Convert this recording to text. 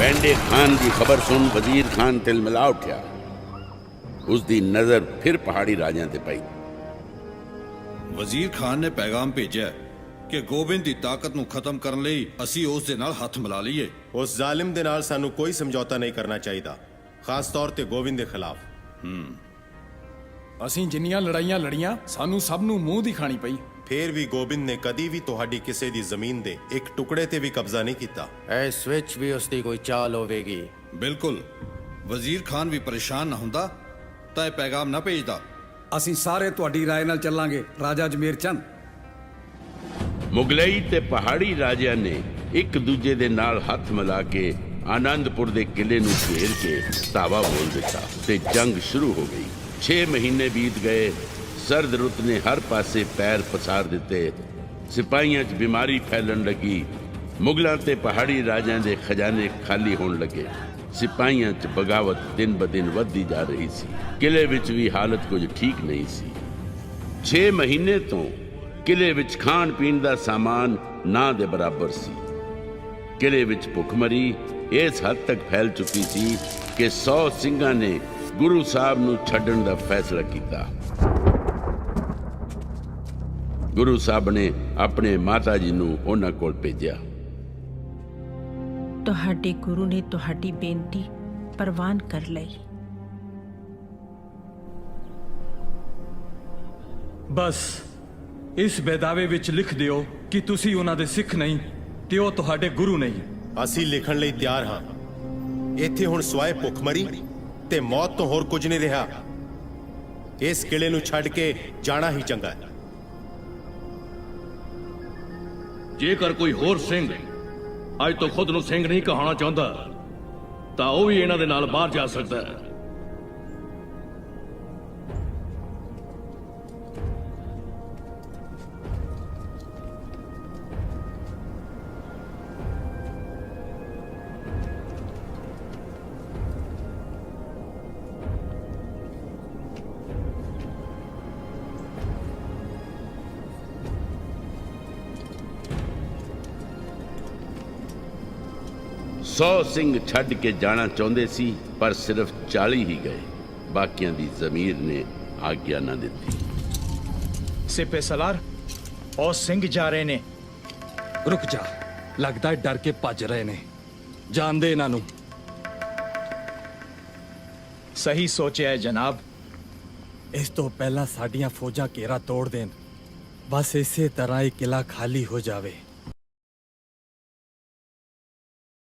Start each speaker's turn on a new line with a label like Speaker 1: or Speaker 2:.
Speaker 1: पैंडे खान की खबर सुन वजीर खान तिलमिला उठा। उसकी नजर फिर पहाड़ी राजा ते पई।
Speaker 2: वजीर खान ने पैगाम भेजा कि गोबिंद की ताकत नूं खत्म करने लई असीं उस दे नाल हथ मिला लईए।
Speaker 3: उस जालिम दे नाल सानू कोई समझौता नहीं करना चाहिए, खास तौर ते गोविंद के खिलाफ।
Speaker 4: ਅਸੀਂ ਜਿੰਨੀਆਂ ਲੜਾਈਆਂ ਲੜੀਆਂ ਸਾਨੂੰ ਸਭ ਨੂੰ ਮੂੰਹ ਦੀ ਖਾਣੀ ਪਈ।
Speaker 3: फिर भी गोबिंद ने कदी भी तुहाडी किसी दी जमीन दे एक टुकड़े ते भी कब्जा नहीं किया।
Speaker 5: इस विच भी उसकी कोई चाल होवेगी।
Speaker 2: बिल्कुल, वजीर खान भी परेशान ना हुंदा तां इह पैगाम ना भेजदा।
Speaker 4: ਅਸੀਂ ਸਾਰੇ ਤੁਹਾਡੀ ਰਾਏ ਨਾਲ ਚੱਲਾਂਗੇ ਰਾਜਾ ਜਮੇਰ ਚੰਦ।
Speaker 1: ਮੁਗਲਈ ਤੇ ਪਹਾੜੀ ਰਾਜਿਆਂ ਨੇ ਇੱਕ ਦੂਜੇ ਦੇ ਨਾਲ ਹੱਥ ਮਿਲਾ ਕੇ ਆਨੰਦਪੁਰ ਦੇ ਕਿਲੇ ਨੂੰ ਘੇਰ ਕੇ ਧਾਵਾ ਬੋਲ ਦਿੱਤਾ ਤੇ ਜੰਗ ਸ਼ੁਰੂ ਹੋ ਗਈ। 6 ਮਹੀਨੇ ਬੀਤ ਗਏ। ਸਰਦ ਰੁੱਤ ਨੇ ਹਰ ਪਾਸੇ ਪੈਰ ਪਸਾਰ ਦਿੱਤੇ। ਸਿਪਾਹੀਆਂ 'ਚ ਬਿਮਾਰੀ ਫੈਲਣ ਲੱਗੀ। ਮੁਗਲਾਂ ਤੇ ਪਹਾੜੀ ਰਾਜਿਆਂ ਦੇ ਖਜ਼ਾਨੇ ਖਾਲੀ ਹੋਣ ਲੱਗੇ। ਸਿਪਾਹੀਆਂ 'ਚ ਬਗਾਵਤ ਦਿਨ ਬ ਦਿਨ ਵੱਧਦੀ ਜਾ ਰਹੀ ਸੀ। ਕਿਲੇ ਵਿੱਚ ਵੀ ਹਾਲਤ ਕੁਝ ਠੀਕ ਨਹੀਂ ਸੀ। 6 ਮਹੀਨੇ ਤੋਂ ਕਿਲੇ ਵਿੱਚ ਖਾਣ ਪੀਣ ਦਾ ਸਾਮਾਨ ਨਾ ਦੇ ਬਰਾਬਰ ਸੀ। ਕਿਲੇ ਵਿੱਚ ਭੁੱਖਮਰੀ ਇਸ ਹੱਦ ਤੱਕ ਫੈਲ ਚੁੱਕੀ ਸੀ ਕਿ 100 ਸਿੰਘਾਂ ਨੇ ਗੁਰੂ ਸਾਹਿਬ ਨੂੰ ਛੱਡਣ ਦਾ ਫੈਸਲਾ ਕੀਤਾ। ਗੁਰੂ ਸਾਹਿਬ ਨੇ ਆਪਣੇ ਮਾਤਾ ਜੀ ਨੂੰ ਉਹਨਾਂ ਕੋਲ ਭੇਜਿਆ।
Speaker 6: ਤੁਹਾਡੇ ਗੁਰੂ ਨੇ ਤੁਹਾਡੀ ਬੇਨਤੀ ਪ੍ਰਵਾਨ ਕਰ ਲਈ।
Speaker 7: ਬਸ ਇਸ ਬੇਦਾਵੇ ਵਿੱਚ ਲਿਖ ਦਿਓ ਕਿ ਤੁਸੀਂ ਉਹਨਾਂ ਦੇ ਸਿੱਖ ਨਹੀਂ ਤੇ ਉਹ ਤੁਹਾਡੇ ਗੁਰੂ ਨਹੀਂ।
Speaker 3: ਅਸੀਂ ਲਿਖਣ ਲਈ ਤਿਆਰ ਹਾਂ। ਇੱਥੇ ਹੁਣ ਸਵਾਏ ਭੁੱਖਮਰੀ ਤੇ ਮੌਤ ਤੋਂ ਹੋਰ ਕੁਝ ਨਹੀਂ ਰਿਹਾ। ਇਸ ਕਿਲੇ ਨੂੰ ਛੱਡ ਕੇ ਜਾਣਾ ਹੀ ਚੰਗਾ ਹੈ।
Speaker 8: ਜੇਕਰ ਕੋਈ ਹੋਰ ਸਿੰਘ ਅੱਜ ਤੋਂ ਖੁਦ ਨੂੰ ਸਿੰਘ ਨਹੀਂ ਕਹਾਉਣਾ ਚਾਹੁੰਦਾ ਤਾਂ ਉਹ ਵੀ ਇਹਨਾਂ ਦੇ ਨਾਲ ਬਾਹਰ ਜਾ ਸਕਦਾ ਹੈ।
Speaker 1: सौ सिंह छड़ के जाना चाहते सी पर सिर्फ 40 ही गए। बाकियां दी जमीर ने आज्ञा ना दी।
Speaker 9: सिपे सलार और सिंह जा रहे ने।
Speaker 7: ਰੁਕ ਜਾ, ਲੱਗਦਾ ਡਰ ਕੇ ਭੱਜ ਰਹੇ ਨੇ। ਜਾਣ ਦੇ ਇਹਨਾਂ ਨੂੰ।
Speaker 9: सही सोचा है जनाब।
Speaker 7: ਇਸ ਤੋਂ ਪਹਿਲਾਂ ਸਾਡੀਆਂ ਫੌਜਾਂ ਘੇਰਾ ਤੋੜ ਦੇਣ। ਬਸ ਇਸੇ ਤਰ੍ਹਾਂ ਇਹ ਕਿਲਾ ਖਾਲੀ ਹੋ ਜਾਵੇ।